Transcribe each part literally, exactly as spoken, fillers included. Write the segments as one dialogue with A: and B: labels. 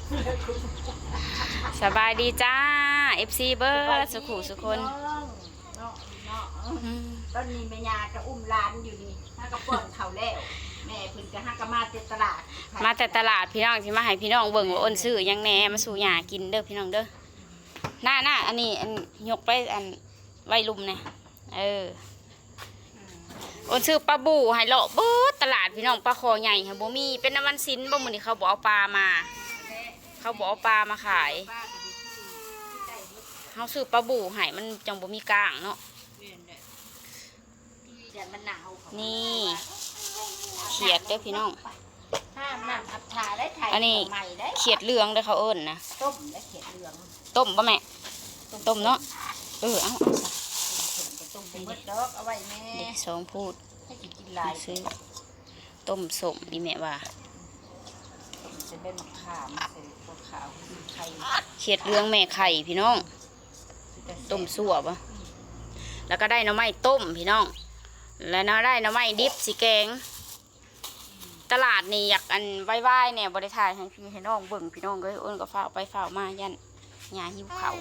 A: สบายดีจ้า เอฟ ซี เบิร์ดสุขุสุคน
B: ตอนนี้แม่ยาก็อุ้มร้านอยู่นี่ห้ากระป๋องเขาแล้วแม่เพิ่นก็ห้ากระมาแต่ตลาด
A: มาแต่ตลาดพี่น้องที่มาให้พี่น้องเบิ่งว่าอ้นซื้อยังแหน่มาสู่หยากินเด้อพี่น้องเด้อหน้าหน้าอันนี้อันยกไปอันไว้ลุมเนี่ยเอออ้นซื้อปลาบูให้เลาะเบิดตลาดพี่น้องปลาคอใหญ่ค่ะบ่มีเป็นน้ำมันสินบ่มื้อนี้เขาบอกเอาปลามาเขาบอกเอาปลามาขายเขาซื้อปลาบูให้มันจังบ่มีกลางเนาะนี่เขียดเด้อพี่น้องอันนี้เขียดเหลืองเด้อเขาเอิ้นนะ
B: ต้มและเขียดเหลือง
A: ต้มป่ะแม่ต้มเนาะเออเอาเอา
B: ต้มเป็นเบิดดอกเอาไว้แม่
A: เด็กสองพูด
B: ให้กินลาย
A: ซื้อต้มสมดีแม่ว่า
B: จะเป็นมะขามใส่ตัวขาวไข่
A: เขียดเหลืองแม่ไข่พี่น้องต้มสั่วป่ะแล้วก็ได้หน่อไม้ต้มพี่น้องแล้วน่าได้หน่อไม้ดิบสีแกงตลาดนี่อยากอันไหว้ๆเนี่ยบริทายให้พี่ให้น้องเบิ่งพี่น้องก็อ้นก็ฝ้าไปฝ้ามายันหญ้าหิวเขา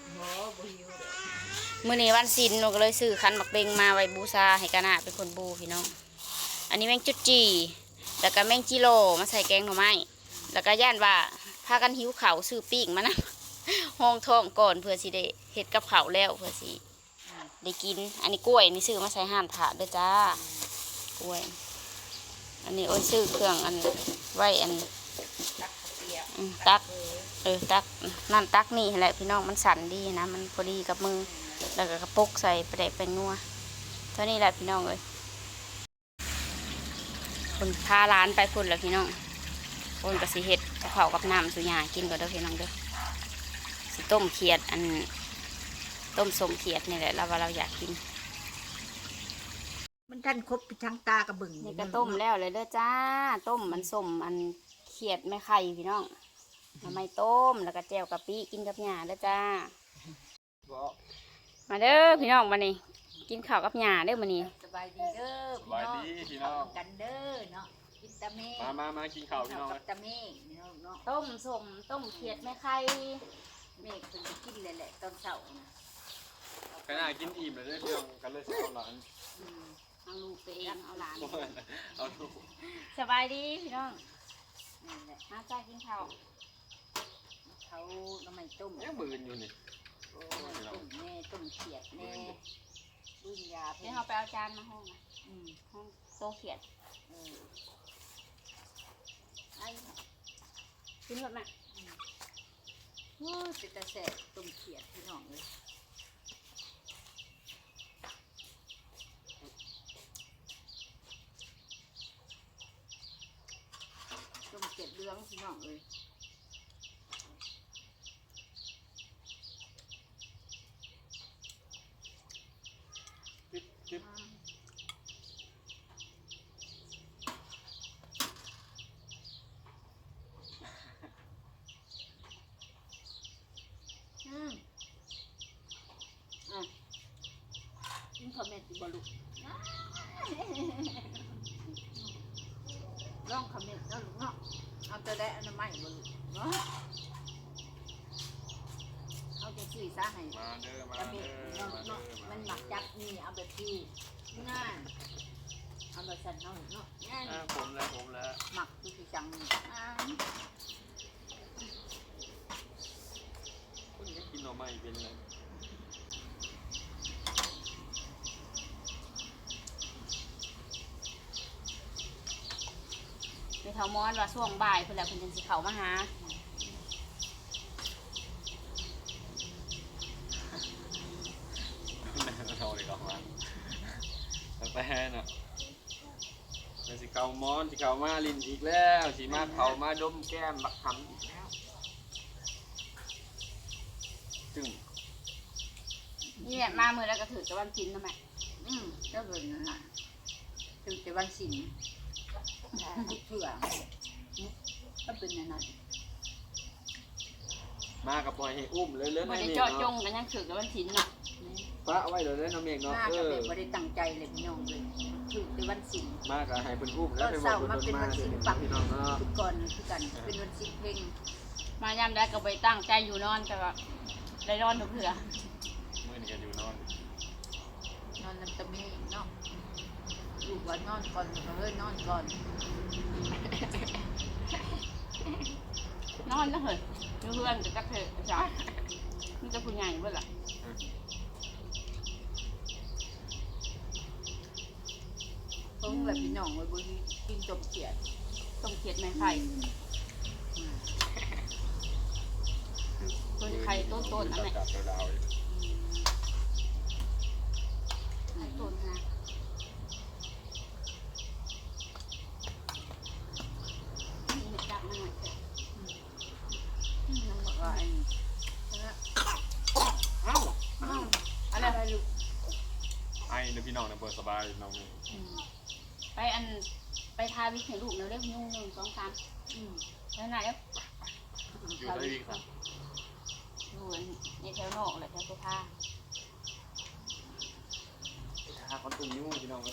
A: มื้อนี้วันศีลหนูก็เลยซื้อคันบักเบงมาไว้บูชาให้กะนาเป็นคนบูพี่น้องอันนี้แมงจุดจีแล้วก็แมงจิโร่มาใส่แกงหน่อไม้แล้วก็ย่านว่าพากันหิวเขาซื้อปีกมานะห้องท้องก่อนเพื่อสิได้เฮ็ดกับเขาแล้วเพื่อสิได้กินอันนี้กล้วยนี่ซื้อมาใส่ห่านถาดด้วยจ้ากล้วยอันนี้โอ้ยซื้อเครื่องอันไว้อันตักเออตักนั่นตักนี่แหละพี่น้องมันสั่นดีนะมันพอดีกับมือแล้วก็กระปุกใส่ไปแดกเป็นนัวเท่านี้แหละพี่น้องเลยคนพาร้านไปคนแล้วพี่น้องคนกระสีเห็ดเผากับน้ำสุญญากินก็ได้พี่น้องเด้อสิต้มเขียดอันต้มสมเขียดนี่แหละเราว่าเราอยากกิน
B: มันท่านครบทั้งตากระบึง
A: นี่ก็ต้มแล้วเลยเด้อจ้าต้มมันสมอันเขียดไม่ไข่พี่น้องทำไมต้มแล้วก็แจ่วกะปิกินกับหญ้าเด้อจ้ามาเด้อพี่น้องมานี่กินข้าวกับหญ้าเด้อมานี่
B: สบายดีเด้อ
C: สบายดีพี่น้อง
B: กันเด้อเนาะกินตะเม
C: มามามากินข้าวพี่น้อง
B: กับตะเมเนาะ
A: ต้มสมต้มเขียดไม่ไข่
B: เมฆถึงจะกินเลยแหละตอนเช้า
C: ขณะกินอิ่มเลยเรื่องกันเลยเอาหลาน
A: เอาลูกไปเองเอาหลาน
C: เอาลูก
A: สบายดีพี่น้องมาจ้ากินข้าว
B: เขาน้ำมันต้ม
C: ยังมืนอยู่นี่
B: ต้มแน่ต้มเขียดแน่ดุนยา
A: เดี๋ยวเราไปเอาจานมาห้องห้องโตเขียด
B: ไอ้
A: กินแบบไหน
B: โอ้จะจะแสบต้มเขียดพี่น้องเลยต้มเขียดเลื้องพี่น้องเลยกินข้าวเม็ดบลุร่องข้าวเม็ดแล้วลูกเนาะเอาตัวได้อันนั้นไม่บลุเนาะเอาจะซื้อซะให้
C: มาเด้อมา
B: เด้อเนาะมันหมักจับนี่เอาแบบที่ง่ายเอาแบบสั่นเอาเนาะง่าย
C: ผมแล้วผมแล้ว
B: หมักดูสิจัง
C: คนนี้กินหน่อไม้เป็นไง
A: ไปเท่ามอนว่าช่วงบ่ายเพื่อนแหละเพื่อนจะสิเขามาหา
C: เราเลยก็มาไปเนาะเป็นสิเก่ามอนสิเก่ามาลินอีกแล้วสิมาเข่ามาดมแก้มบักคำอีกแล้วจึง
A: นี่แหละมาเมื่อแล้วก็ถือจะวันกินทำไม
B: อืมเจ้าเบิร์นน่ะถึงจะวันสินเผื่อก็เป็นอย่างนั้น
C: มากับปล่อยให้อุ้มเลยเลย
A: ไม่ได้เจาะจงกันยังถือจะวันสินน่ะ
C: ป้าเอาไว้เดี๋ยวเล่นน้ำเมฆเนาะ
B: เออไม่ได้ตั้งใจเลยพี่น้องเลยถึงจะวันสิน
C: มากับให้เป็นอุ้มแล้ว
B: เป็นวันสินปักพี่น้องเนาะทุกคนทุกกันเป็นวันสินเพลง
A: มายามได้ก็ไปตั้งใจอยู่นอนแต่ว่าได้นอนทุกเถื่อ
C: มื้อนี้ก็อยู่นอน
B: นอนน้ำตะมีเนาะลูกว่านอนก่อนก็เฮ้ยนอนก่อน
A: นอนนะเฮ้ยอยู่เพื่อนจะจักเถอะจ้ามันจะผู้ใหญ่เบื่อละ
B: เพิ่งแบบพี่น้องไว้บนกินจมเขียด
A: ต้องเขียดไม้ไผ่ต้นไข่ต้นต้นอะไร
C: จับดาวๆอยู่
A: ต้นนะนี่จับมันหน่อยเถอะ
B: น้องบอกว่าไอ้
A: เอ้าเอ้าอะไร
B: อะไรลูก
C: ไอ้เด้อพี่น้องนะเปิดสบายน้องนี่
A: ไปอันไปทาวิกให้ลูกเร็วเร็วยุ่งหนึ่งสองสามแล้วไหนแล้ว
C: อยู่ได้ดีครับ
A: อยู่ในแถวนอกแหละแถวตัวผ้า
C: หาคนตุ่มนิ้วพี่น้องเลย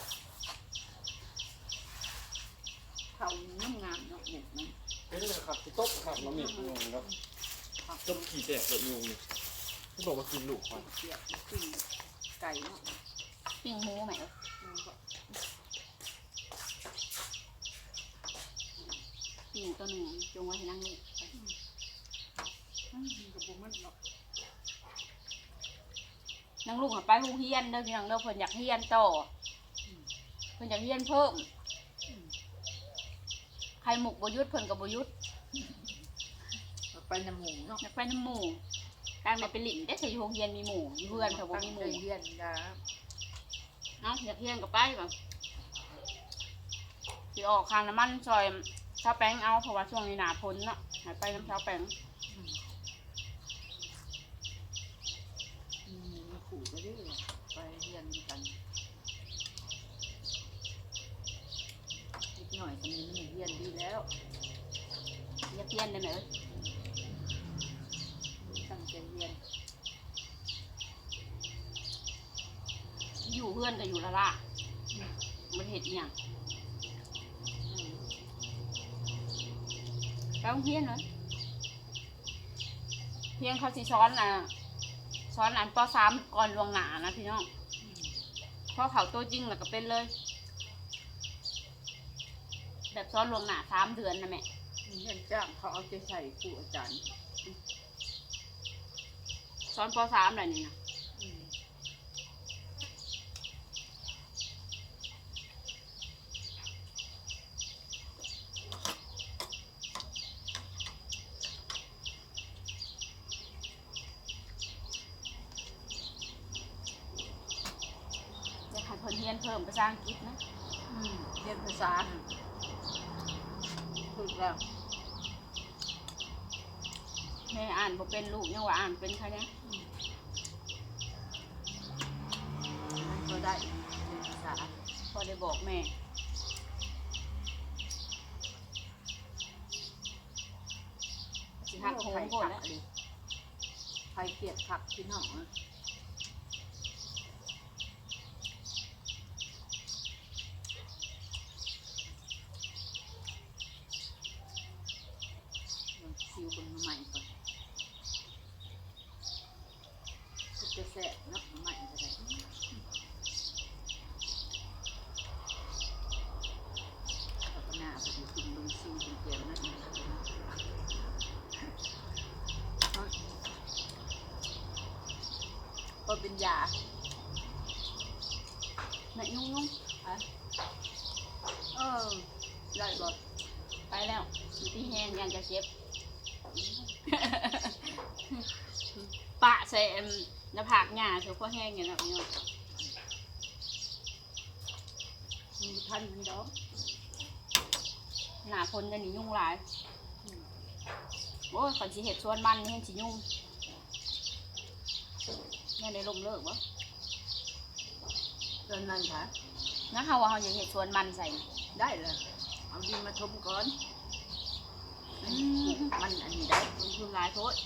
B: เขาน้ำงามเนาะเนี่ยมัน
C: เป็นเลยครับที่ต๊บครับน้องมีพี่น้องครับต้มขี่แตกเลยนิ้วนี่ที่บอกว่ากินลูกควาย
B: เขียดปิ้งไก่เนาะ
A: ปิ้งหมูไหมเอ้ย
B: มันก็
A: ปิ้งตัวหนึ่งจงไว้ให้นั่งลูกไป
B: มันกับบุมันเนาะ
A: นั่งลูกหันไปหูเฮียนเด้อพี่น้องเด้อเพิ่นอยากเฮียนต่อเพิ่นอยากเฮียนเพิ่มใครหมกบยุทธเพิ่นกับบยุทธ
B: ไปน้ำหมูเนาะ
A: อยากไปน้ำหมู่การไปเป็นหลินได้ใส่โรงเรียนมีหมู่อยู่เพื่อนเขาบ่มีหมู่
B: เรียนดา
A: เนาะอยากเฮียนกับไปก่อนสิออกคางน้ำมันซอยชาวแป้งเอาเพราะว่าช่วงนี้หนาพ้นเนาะหายไปน้ำชาวแป้ง
B: อืมมีขู่ก็ได้ไปเรียนกันนิดหน่อยก็มีมันเรียนดีแล้ว
A: อยากเฮียนได้ไหมเอ้ย
B: ตั้งใจเรียน
A: อยู่เพื่อนก็อยู่ละล่ะมันเห็ดอหย่าง
B: อืม
A: ไปโรงเรียนเลยเพียงเขาสิซ้อนอ่ะซ้อนอันปสามก่อนลวงหนานะพี่น้องเพราะเขาตัวจริงแล้วก็เป็นเลย แบบซ้อนลวงหนาสามเดือนนะแม่
B: มีเงินจ้างเขาเอาใจใส่ครูอาจารย์
A: ซ้อนปสามอะไรนี่นะ
B: อืม
A: อยากให้เพิ่นเรียนเพิ่มภาษาอังกฤษนะ
B: อืมเรียนภาษาถูกแล้ว
A: แม่อ่านบ่เป็นลูกยังว่าอ่านเป็นค่ะเนี่ย
B: มันก็ได้เรียนภาษา
A: พอได้บอกแม่สิหักโหงโหดแล้ว
B: ใครเกลียดผักพี่น้องอะลองซิวบนมาใหม่ก่อนก็จะแสบเนาะมาใหม่ก็ได้แล้วก็หน้าไปดูกินลงซิวเป็นเกลียวนั่นเองก็เป็นยา
A: แม่นุ่งนุ่ง
B: อะเออได้บ่
A: ไปแล้วอยู่ที่แห้งยังจะเจ็บ ปะใส่อันหน้าผากหญ้าเสือข้อแห้งอย่างนั้นเนาะ
B: มีพันมันดอก
A: หน้าคนจะหนียุ่งหลายโอ้ยก่อนสิเห็ดชวนมันนี่เห็นสิยุ่งแม่ได้ลมเลิกวะ
B: ตอนนั้นค่ะ
A: นะเขาว่าเขาอยากเห็ดชวนมันใส่
B: ได้เลยเอาดินมาทมก่อน
A: อื
B: มัน
A: ม
B: มันอันนี้ได้
A: ลงทุนหลายโพด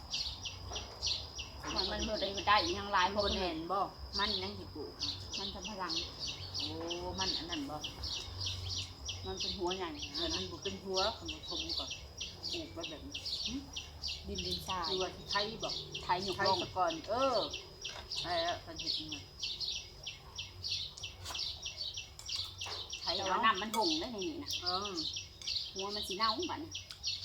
A: มันมันเมื่อได้ได้อีกยังหลาย
B: โบ
A: โพด
B: แน
A: แน่
B: นบ่มันยังสิปลูก
A: มันทำพลัง
B: โอ้มันอันนั้นบ่
A: มันเป็นหัวใหญ่
B: เออมันบุเป็นหัวเขามาทมก่อนปลูกไว้แบบนี้
A: ดินดินทราย
B: ดูว่าไทยบอก
A: ไทยหยก
B: ไทย
A: ลง
B: ตะกอนเออใช่แล้วพันเห็ดนี่ไทย
A: แต่
B: เอา
A: ว่าน้ำมันหงได้ในนี่นะ
B: เออ
A: หัวมันสีเน่าบัดนี้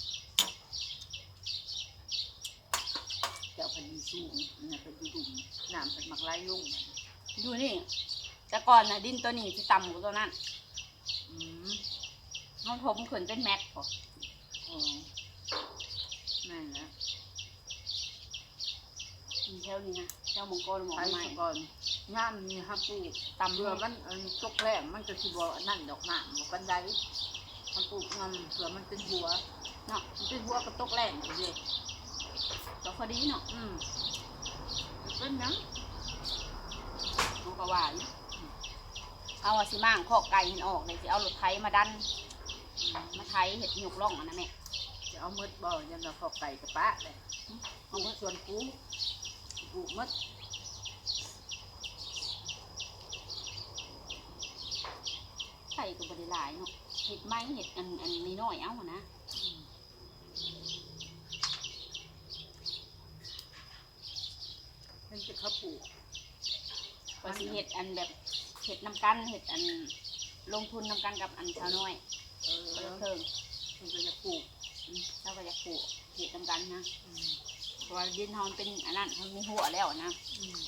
B: เจ้าพันธุ์สูงเนี่ยเป็นดุ่มน้ำเป็นหมักไล่ลุ่ง
A: ดูนี่แต่ก่อนนะดินตัวนี้ที่ต่ำกว่าตัวนั้น
B: อืม
A: เขาถมขึ้นเป็นแม็กพอ
B: อ๋อนั่นแหละ
A: มีแถวนี้นะเจ้ามงกรหมอ
B: ไทย
A: ใหม่
B: ตะกอนน้ำนี่ฮักปลูก
A: ต่ำ
B: เรือ
A: เรือ
B: มั
A: มัน
B: นอันตกแรงมันจะสิบ่นั่นดอกหนามบ่กันไดมันปลูกงำเผื่อมันเป็นหัว
A: เนาะ
B: มันเป็นหัวกระตกแรงอยู่เลย
A: ก็พอดีเนาะ
B: อืมมันเป็นหยัง
A: มันก็ว่าอยู่เอาอะสิมั่งข้อไก่มันออกเลยสิเอารถไถมาดันมาไถเห็ดหยกล่องอันนั้นแม่
B: จะเอามืดบ่ยันเราขอไก่กับป้าเลยเอามืดส่วนกูปลูกมืด
A: ไข่ก็บริหลายเนาะเห็ดไม้เห็ดอันอันนี้น้อยเอาหั้นนะ
B: มันจะเขาปลูก
A: ก็สิเห็ดอันแบบเห็ดน้ำกันเห็ดอันลงทุนน้ำกันกับอันชาวน้อย
B: เออ
A: ก็
B: แล้ว
A: เพิ่ม
B: มันก็จะปลูก
A: อืมเราก็อยากปลูกเห็ดน้ำกันนะ
B: อืม
A: เพราะว่าดินเฮามันเป็นอันนั้นมันมีหัวแล้วนะ
B: อืม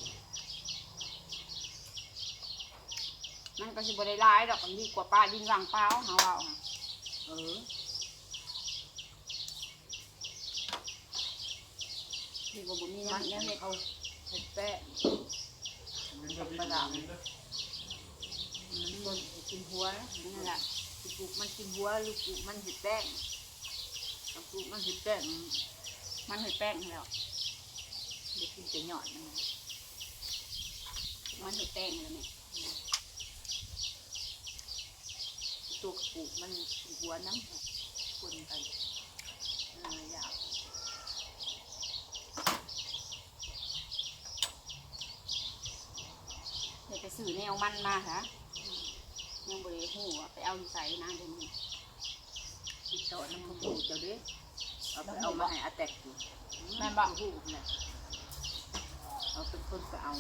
A: มันก็สิบริหลายดอกมันดีกว่าป้าดินวางเปล่าเฮาเอาค่ะ
B: เออ
A: ดีกว่าบ่มี
B: มัน
A: น้ำ
B: เนี่
A: เนี่ย ยเห็ด
B: เขาเห็ดแป้งประดามมันคนกินหัวนะ
A: นั่นแหละ
B: ปลูกมันกินหัวหรือปลูกมันเห็ดแป้งปลูกมันเห็ดแป้ง
A: มันเห็ดแป้งแล้ว
B: เด็กกินแต่หยอดมัน
A: มันเห็ดแป้งแล้วเนี่ย
B: ตัวปลูกมันหัวน้ำคนกันน่ายาก
A: เห็ดไปซื้อแนวมันมาค่ะยังบริหูอะไปเอาอยู่ใส่นะเดี๋ยวนี้
B: ติดต่อน้ำข้าวปลูกเจ้าเด้เอาไปเอามาให้อาแตกอยู่
A: แม่นบอก
B: หูเนี่ยเอาเป็นคนไปเอา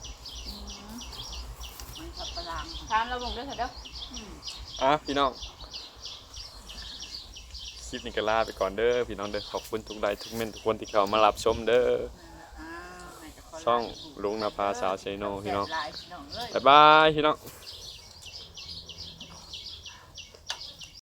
B: มันทับประหลาม
A: ทานเราลงด้วยเถอะเด้อ
B: อืม
C: อ่ะพี่น้องคลิปนี้ก็ลาไปก่อนเด้อพี่น้องเด้อขอบคุณทุกไลค์ทุกเมนทุกคนที่เข้ามารับชมเด้อ
B: อ่าให้แต่คน
C: ช่องลุงนภาสาวเซโนพี่น้อง
B: แซ่บหลายพี่น้องเอ้ย
C: บ๊ายบายพี่น้อง